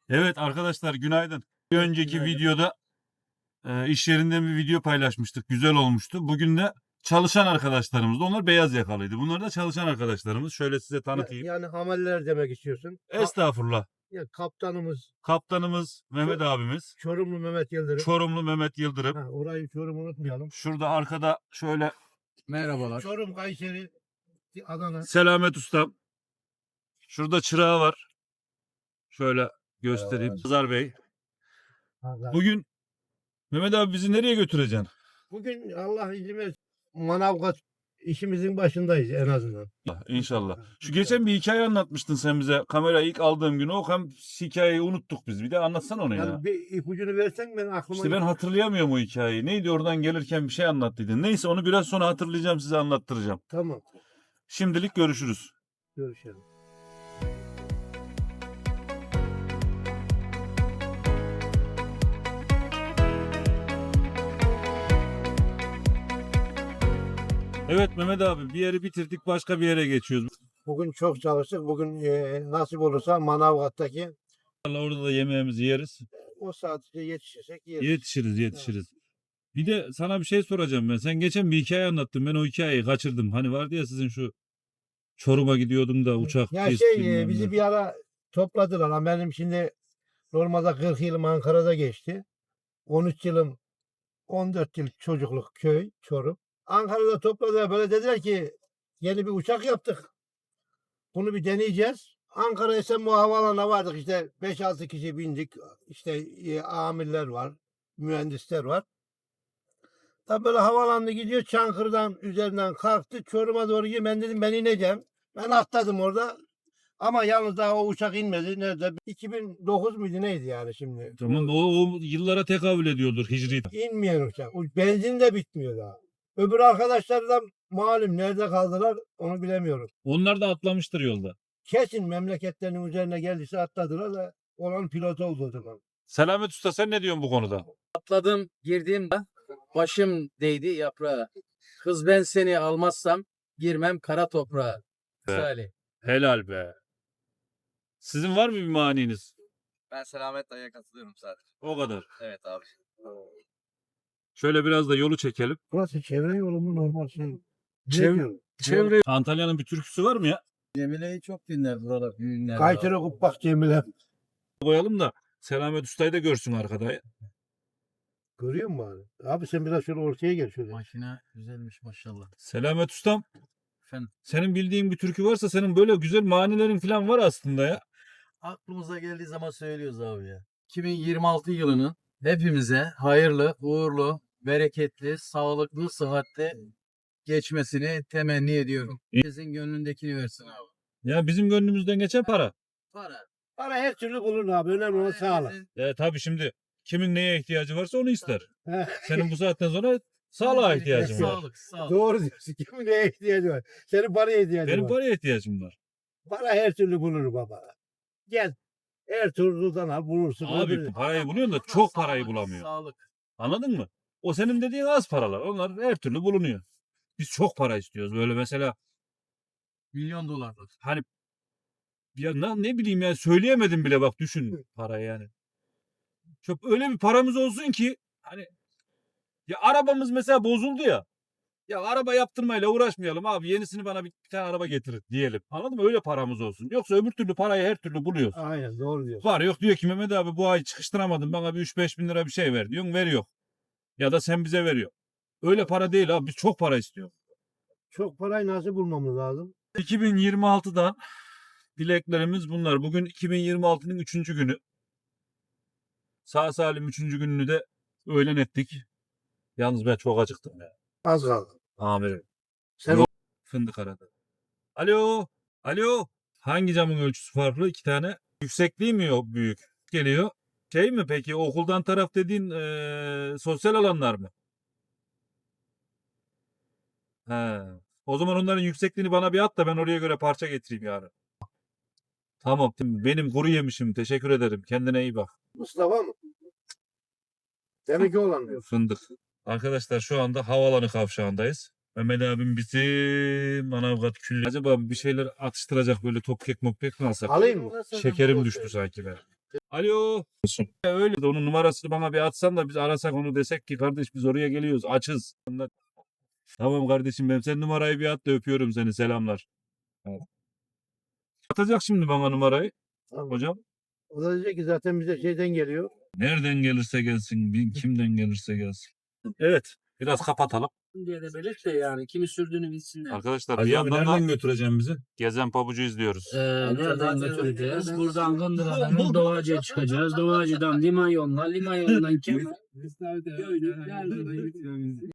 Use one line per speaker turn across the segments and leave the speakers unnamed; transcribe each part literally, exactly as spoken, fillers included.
Evet arkadaşlar günaydın. Bir önceki
Günaydın.
videoda e, iş yerinden bir video paylaşmıştık. Güzel olmuştu. Bugün de çalışan arkadaşlarımız. Onlar beyaz yakalıydı. Bunlar da çalışan arkadaşlarımız. Şöyle size
Ya-
tanıtayım.
yani hameller demek istiyorsun. Ha-
Estağfurullah.
ya kaptanımız
Kaptanımız Mehmet abimiz.
Çorumlu Mehmet Yıldırım.
Çorumlu Mehmet Yıldırım.
Ha, orayı Çorum unutmayalım.
Şurada arkada şöyle
Merhabalar.
Çorum, Kayseri, Adana.
Selamet Ustam. Şurada çırağı var. Şöyle göstereyim. Pazar Bey.
Pazar.
Bugün Mehmet abi bizi nereye götüreceksin?
Bugün Allah izin verirse Manavgat işimizin başındayız en azından.
İnşallah. Şu geçen bir hikaye anlatmıştın sen bize. Kamerayı ilk aldığım gün o hem hikayeyi unuttuk biz. Bir de anlatsana onu ya.
Yani bir ipucunu versen ben aklıma...
İşte ben hatırlayamıyorum o hikayeyi. Neydi oradan gelirken bir şey anlattıydın. Neyse onu biraz sonra hatırlayacağım size anlattıracağım.
Tamam.
Şimdilik görüşürüz.
Görüşelim.
Evet Mehmet abi bir yeri bitirdik başka bir yere geçiyoruz.
Bugün çok çalıştık. Bugün e, nasip olursa Manavgat'taki
İnşallah orada da yemeğimizi yeriz.
o saatte yetişirsek yeriz.
Yetişiriz yetişiriz. Bir de sana bir şey soracağım ben. Sen geçen bir hikaye anlattın. Ben o hikayeyi kaçırdım. Hani vardı ya sizin şu Çorum'a gidiyordum da uçak
Ya
kesti,
şey e,
bilmem
bizi
ne.
bir ara topladılar ama benim şimdi normalde kırk yılım Ankara'da geçti. on üç yılım on dört yıl çocukluk köy Çorum. Ankara'da topladılar böyle dediler ki yeni bir uçak yaptık. Bunu bir deneyeceğiz. Ankara Esenboğa Havaalanı'na vardık işte beş altı kişi bindik. İşte e, amirler var, mühendisler var. Tabii böyle havaalanına gidiyor Çankırı'dan üzerinden kalktı. Çorum'a doğru gidiyor. Ben dedim ben ineceğim. Ben atladım orada. Ama yalnız daha o uçak inmedi. Nerede? iki bin dokuz muydu neydi yani şimdi?
Tamam o, o yıllara tekabül ediyordur hicri.
İnmeyen uçak. O benzin de bitmiyor daha. Öbür arkadaşlar da malum nerede kaldılar onu bilemiyorum.
Onlar da atlamıştır yolda.
Kesin memleketlerinin üzerine geldiyse atladılar da olan pilot oldu o zaman.
Selamet Usta sen ne diyorsun bu konuda?
Atladım, girdim. Başım değdi yaprağa. Kız ben seni almazsam girmem kara toprağa. Misali.
Helal be. Sizin var mı bir maniniz?
Ben Selamet Dayı'ya katılıyorum sadece.
O kadar.
Evet abi.
Şöyle biraz da yolu çekelim.
Burası çevre yolu mu normal şey?
Çevre-
Çevre.
Antalya'nın bir türküsü var mı ya?
Cemile'yi çok dinler buralar. Düğünler.
Kayseri Kuppak Cemile.
Koyalım da Selamet Usta'yı da görsün arkada.
Görüyor musun abi? Abi sen biraz şöyle ortaya gel şöyle.
Makine güzelmiş maşallah.
Selamet Ustam
Efendim
senin bildiğin bir türkü varsa senin böyle güzel manilerin falan var aslında ya.
aklımıza geldiği zaman söylüyoruz abi ya. iki bin yirmi altı yılının hepimize hayırlı, uğurlu, bereketli, sağlıklı, sıhhatli geçmesini temenni ediyorum. Herkesin gönlündekini versin abi.
Ya bizim gönlümüzden geçen para.
Para.
Para her türlü bulur abi. Önemli olan sağlık.
Herkesin-
E tabii şimdi kimin neye ihtiyacı varsa onu ister.
Heh.
Senin bu saatten sonra sağlığa ihtiyacın var.
Sağlık, sağlık.
Doğru diyorsun. Kimin neye ihtiyacı var? Senin paraya ihtiyacın
Benim
var.
paraya ihtiyacım var.
Para her türlü bulur baba. Gel. Ertuğrul'dan al bulursun.
Abi
Öbürü-
parayı buluyorsun da çok parayı bulamıyor.
Sağlık.
Anladın mı? O senin dediğin az paralar. Onlar her türlü bulunuyor. Biz çok para istiyoruz. Böyle mesela
Milyon dolarlık.
hani ya ne, ne bileyim ya söyleyemedim bile bak düşün parayı yani. Çok öyle bir paramız olsun ki hani ya arabamız mesela bozuldu ya. Ya araba yaptırmayla uğraşmayalım abi. Yenisini bana bir, bir tane araba getirin diyelim. Anladın mı? Öyle paramız olsun. Yoksa öbür türlü parayı her türlü buluyoruz.
Aynen doğru diyorsun.
Var yok diyor ki Mehmet abi bu ay çıkıştıramadın bana bir üç beş bin lira bir şey ver diyorsun veriyor. Ya da sen bize veriyor. Öyle para değil abi biz çok para istiyoruz.
Çok parayı nasıl bulmamız lazım?
iki bin yirmi altıdan dileklerimiz bunlar. Bugün iki bin yirmi altının üçüncü günü. Sağ salim üçüncü gününü de öğlen ettik. Yalnız ben çok acıktım ya.
Az kaldı.
Amirim.
Sen
Yok. Fındık aradı. Alo. Alo. Hangi camın ölçüsü farklı? İki tane. Yüksekliği mi yok büyük? Geliyor. Şey mi peki okuldan taraf dediğin eee, sosyal alanlar mı? He. O zaman onların yüksekliğini bana bir at da ben oraya göre parça getireyim yarın. Tamam. Benim kuru yemişim. Teşekkür ederim. Kendine iyi bak.
Mustafa mı? Demek olan diyor.
Fındık. Arkadaşlar şu anda havaalanı kavşağındayız. Mehmet abim bizi Manavgat külli. Acaba bir şeyler atıştıracak böyle top kek mok kek mi alsak?
Alayım mı?
Şekerim düştü sanki ben. Alo. Ya öyle de onun numarasını bana bir atsan da biz arasak onu desek ki kardeş biz oraya geliyoruz açız. Ondan- Tamam kardeşim benim sen numarayı bir at da öpüyorum seni selamlar. Evet. Atacak şimdi bana numarayı
Tamam.
hocam.
O da diyecek ki zaten bize şeyden geliyor.
Nereden gelirse gelsin, bin- kimden gelirse gelsin. Evet, biraz kapatalım.
diye de belirt de yani kimi sürdüğünü bilsinler.
Arkadaşlar
Hacı
bir
abi
yandan da
nereden götüreceğim bizi?
Gezen Pabucu izliyoruz.
Ee, nereden götüreceğiz? Buradan Gındıra'dan Doğacı'ya çıkacağız. Doğacı'dan liman yoluna, liman yolundan Kemal. Göydük, geldik.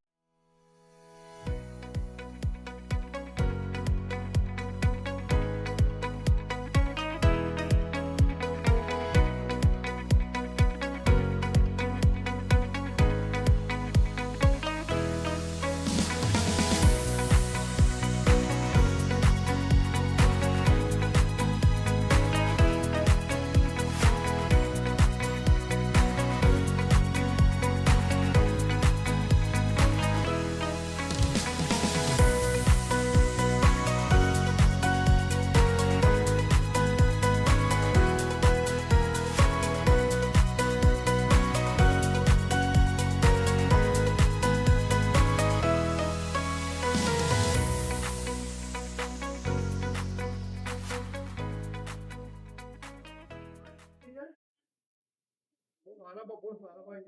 Araba boş, arabayı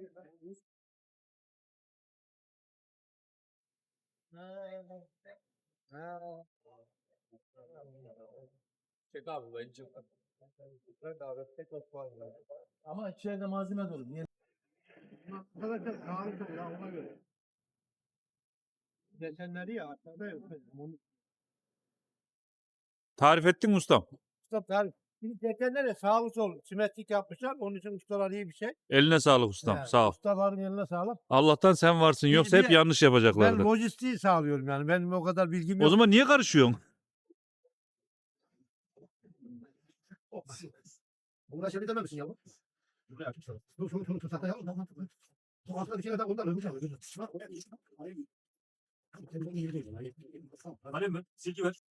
Çek abi bence. Ama içeride malzeme dolu. Niye?
Arkadaşlar kahve çok ya ona göre. Geçenleri ya aşağıda yok. Onu
Tarif ettin mi ustam?
stop tarif. Şimdi geçenleri sağlı sol simetrik yapmışlar. Onun için ustalar iyi bir şey.
Eline sağlık ustam.
He,
Sağ ol.
Ustaların eline sağlık.
Allah'tan sen varsın.
Bir-
Yoksa
bir
hep
de
yanlış
Ben
yapacaklardı.
lojistiği sağlıyorum yani. Benim o kadar bilgim
O
yok.
zaman niye karışıyorsun?
Buna şey dememişsin ya bu. Buraya açmışlar. Dur şunu şunu tutak ya. Bu altında bir şey daha ondan öbür tarafa. Şuna oraya bir şuna. Oraya bir. Telefonun yeri değil.
Alem mi? Silgi ver.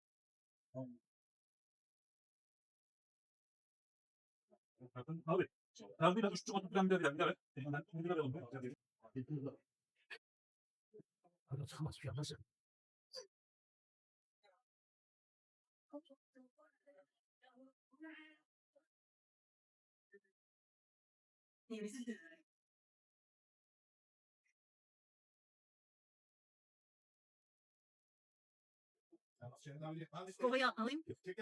Abi. Abi bir üç çubuğu bir bir bir bir
Hadi çıkamaz bir şey nasıl?
Kovayı alayım.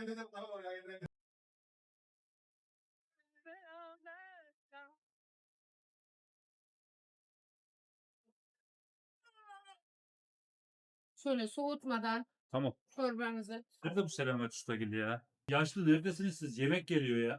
Şöyle soğutmadan
Tamam.
çorbanızı.
Nerede bu Selamet Ustagil ya? Yaşlı neredesiniz siz? Yemek geliyor ya.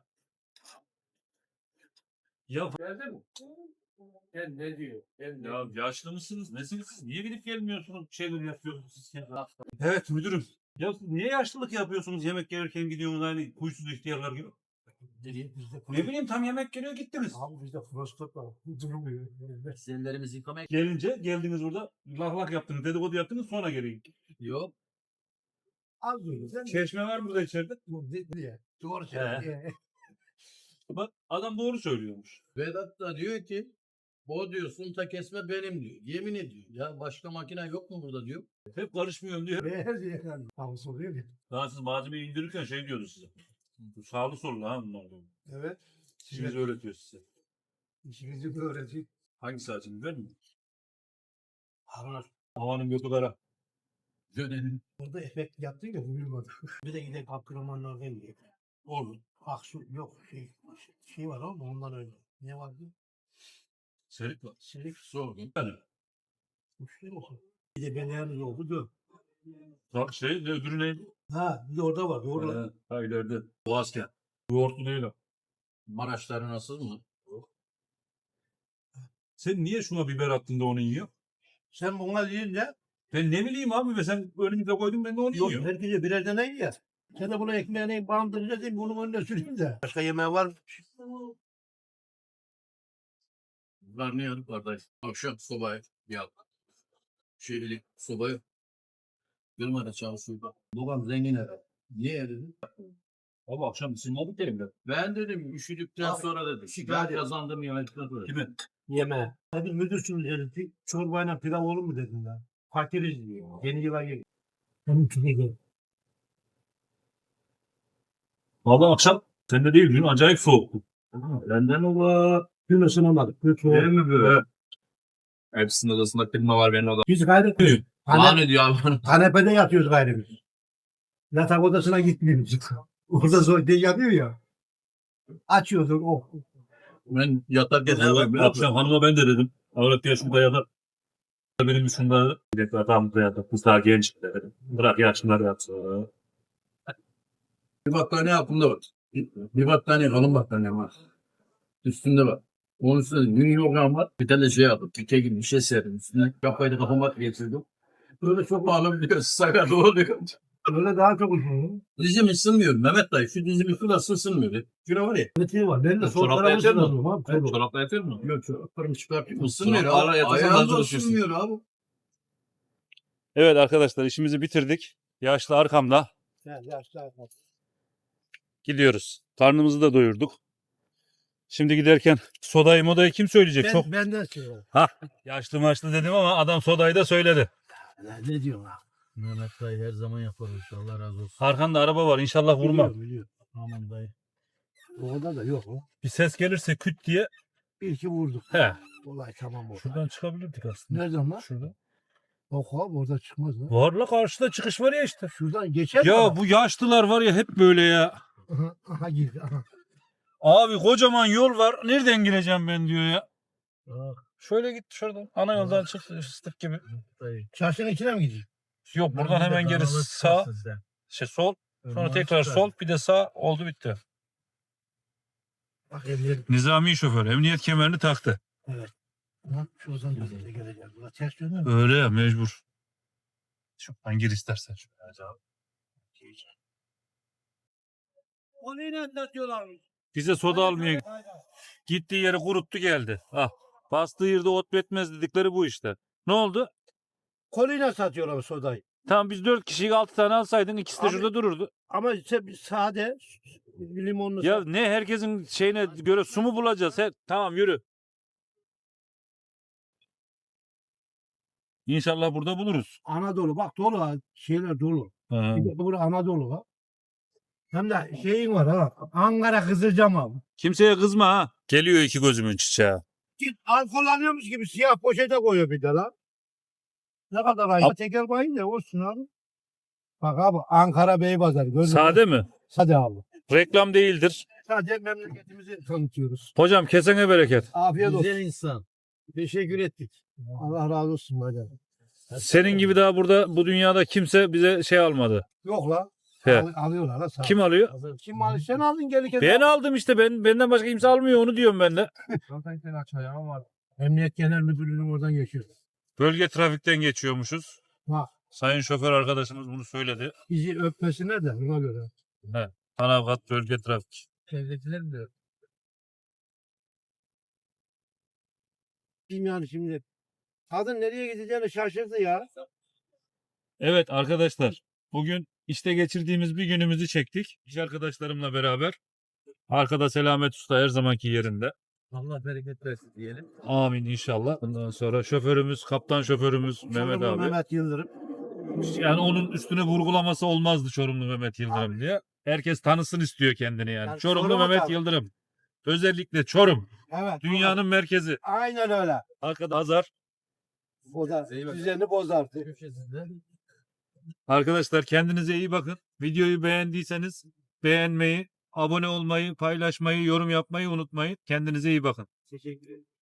Ya,
Geldi mi? Ben ne diyor? Ben ne
ya yaşlı mısınız? Nesiniz siz? Niye gidip gelmiyorsunuz? Bir şeyler yapıyorsunuz siz ya. Evet müdürüm. Ya siz niye yaşlılık yapıyorsunuz yemek gelirken gidiyorsunuz hani huysuz ihtiyarlar gibi? Ne bileyim tam yemek geliyor gittiniz.
Abi bizde prostat var. Durmuyor.
Sinirlerimizi yıkamaya
Gelince geldiniz burada lak lak yaptınız dedikodu yaptınız sonra gelin.
yok.
Az duydum. Sen
Çeşme var burada içeride.
bu diye. Doğru
He.
söylüyor.
Bak adam doğru söylüyormuş.
Vedat da diyor ki o diyor sunta kesme benim diyor. Yemin ediyor. Ya başka makine yok mu burada diyor.
Hep karışmıyorum diyor.
Her diye yani. Tam soruyor ya.
Daha siz malzemeyi indirirken şey diyordu size. Bu sağlı sollu ha bunlar diyor.
Evet.
İşinizi öğretiyor size.
İşinizi öğretiyor.
Hangisi acın biber mi?
Havar.
Havanın götü kara.
Dönelim.
Orada efekt yaptın ya uyumadı. Bir de gidelim Abdurrahmanlardan diye.
Olur.
Aksu yok şey şey var ama ondan öyle. Ne vardı?
Serik var.
Silik
Sordum.
Yani.
müşteri olsun. Bir de beleriniz oldu dön.
Bak şey ne öbürü ne?
Ha bir de orada var. Orada.
Ha, ha ileride. Boğazken. Yoğurtlu değil o.
Maraşları nasıl mı?
Sen niye şuna biber attın da onu yiyor?
Sen buna deyince
Ben ne bileyim abi be sen önümüze koydun ben de onu
yok
yiyorum.
herkese birer tane ye. Sen de buna ekmeğini bandırınca değil bunun önüne süreyim de. Başka yemeği var mı?
Bunlar ne yanık kardeş? Akşam sobayı yak. Şeylik sobayı. Kırmada çalışıyor. Babam zengin herhalde. Niye dedi?
Abi akşam ısınmadık elimde.
Ben dedim üşüdükten
Abi,
sonra dedim.
şikayet
Ben
et.
kazandım yemekten sonra.
Kimi?
Yeme. Hadi müdürsün herifi. Çorbayla pilav olur mu dedin lan. Fakiriz diyor. Yeni yıla gel. Onun için gel.
Valla akşam sende değil dün acayip soğuktu. Benden ola.
Dün ısınamadık. Dün soğuk.
Değil mi böyle?
Hepsinin odasında klima var benim odamda.
Biz gayret
Bana ne diyor abi?
kanepede yatıyoruz gayrı biz. Yatak odasına gitmiyoruz. Orada zor değil yatıyor ya. Açıyorduk o.
Ben yatarken ne
Valla
yapayım?
akşam hanıma ben de dedim. Avrat ya şurada yatar. Benim üstümde bir de adam burada yatar. Kız daha genç dedim. Bırak yaşlılar yatsın.
Bir battaniye aklımda var. Bir, bir battaniye kalın battaniye var. Üstünde var. Onun üstünde New York'an var. Bir tane şey yaptım. Tüke gibi bir şey serdim üstüne. Kafayı da kafama getirdim. Böyle çok ağlam biliyor. Sakat oluyor.
Öyle daha çok uzun.
Dizim ısınmıyor. Mehmet dayı şu dizim şurası ısınmıyor. Şuna var ya.
Ötesi var. Ben de sol
Çorapla
tarafı
yatıyor musun?
ısınıyorum abi.
Ben
Sol.
çorapla yatıyor mu?
Yok çoraplarımı çıkartıyorum. Isınmıyor
Çoraplarla
abi.
yatarsan
Ayağım
daha
da
çok üşüyorsun.
ısınmıyor abi.
Evet arkadaşlar işimizi bitirdik. Yaşlı arkamda.
Ya, yaşlı adam.
Gidiyoruz. Karnımızı da doyurduk. Şimdi giderken sodayı modayı kim söyleyecek?
Ben,
Çok
benden söyle.
yaşlı maçlı dedim ama adam sodayı da söyledi.
Ya, ne diyorsun ha?
Mehmet dayı her zaman yapar o işi. Allah razı olsun.
Arkanda araba var inşallah vurma.
Biliyorum, biliyorum.
Aman dayı.
Orada da yok o.
Bir ses gelirse küt diye.
Bir iki vurduk.
He.
Olay tamam oldu.
Şuradan çıkabilirdik aslında.
Nereden lan?
Şurada.
Yok abi orada çıkmaz lan.
Var la karşıda çıkış var ya işte.
Şuradan geçer mi
Ya
adam?
bu yaşlılar var ya hep böyle ya.
Aha, aha girdi. Aha.
Abi kocaman yol var. Nereden gireceğim ben diyor ya.
Ah,
Şöyle git şuradan. Ana yoldan çık fıstık gibi.
dayı.
Çarşının içine mi gidiyor?
Yok buradan hemen geri sağ, şey sol, sonra tekrar sol, bir de sağ oldu bitti.
Bak emniyet.
Nizami şoför emniyet kemerini taktı.
Lan şuradan düzeye geleceğiz. Buna ters döndü mü?
Öyle ya mecbur. Şuradan gir istersen. Şöyle.
O neyle anlatıyorlarmış?
Bize soda almaya gittiği yeri kuruttu geldi. Ah, bastığı yerde ot betmez dedikleri bu işte. Ne oldu?
Koluyla satıyorlar sodayı.
Tamam biz dört kişiyi altı tane alsaydın ikisi de
Abi-
şurada dururdu.
Ama işte sade limonlu.
Ya
sa-
ne herkesin şeyine göre su mu bulacağız? He, tamam yürü. İnşallah burada buluruz.
Anadolu bak dolu ha. Şeyler dolu.
Ha.
Bir de burada Anadolu var. Hem de şeyin var ha. Ankara Kızılcam abi.
Kimseye kızma ha. Geliyor iki gözümün çiçeği.
Git alkol alıyormuş gibi siyah poşete koyuyor bir de lan. Ne kadar ayıp. Tekel bayın da olsun abi. Bak abi Ankara Beypazarı. gördün mü?
Sade mi?
Sade abi.
Reklam değildir.
Sadece memleketimizi tanıtıyoruz.
Hocam kesene bereket.
Afiyet olsun.
Güzel insan.
Teşekkür ettik. Allah razı olsun hocam.
Senin gibi daha burada bu dünyada kimse bize şey almadı.
Yok la.
He.
Al, alıyorlar la. sağ ol.
Kim alıyor?
Kim aldı? Sen aldın gelirken.
Ben aldım işte. Ben benden başka kimse almıyor onu diyorum ben de.
Zaten sen aç ayağım var. Emniyet Genel Müdürlüğü'nün oradan geçiyor.
Bölge trafikten geçiyormuşuz.
Bak
Sayın şoför arkadaşımız bunu söyledi.
bizi öpmesine de ona göre.
Manavgat bölge trafik.
Devletler mi diyor? Bilmiyorum şimdi. Kadın nereye gideceğini şaşırdı ya.
Evet arkadaşlar. Bugün işte geçirdiğimiz bir günümüzü çektik. İş arkadaşlarımla beraber. Arkada Selamet Usta her zamanki yerinde.
Allah bereket versin diyelim.
Amin inşallah. Bundan sonra şoförümüz, kaptan şoförümüz Mehmet
Çorumlu
abi.
Mehmet Yıldırım.
Yani onun üstüne vurgulaması olmazdı Çorumlu Mehmet Yıldırım diye. Herkes tanısın istiyor kendini yani.
Yani
Çorumlu
Çorum'a
Mehmet
tabii.
Yıldırım. Özellikle Çorum.
Evet.
Dünyanın merkezi.
Aynen öyle.
Arkada Hazar.
Bozar.
İyi bak.
Düzeni bozardı.
Köşesinde.
Arkadaşlar kendinize iyi bakın. Videoyu beğendiyseniz beğenmeyi, abone olmayı, paylaşmayı, yorum yapmayı unutmayın. Kendinize iyi bakın.
Teşekkür ederim.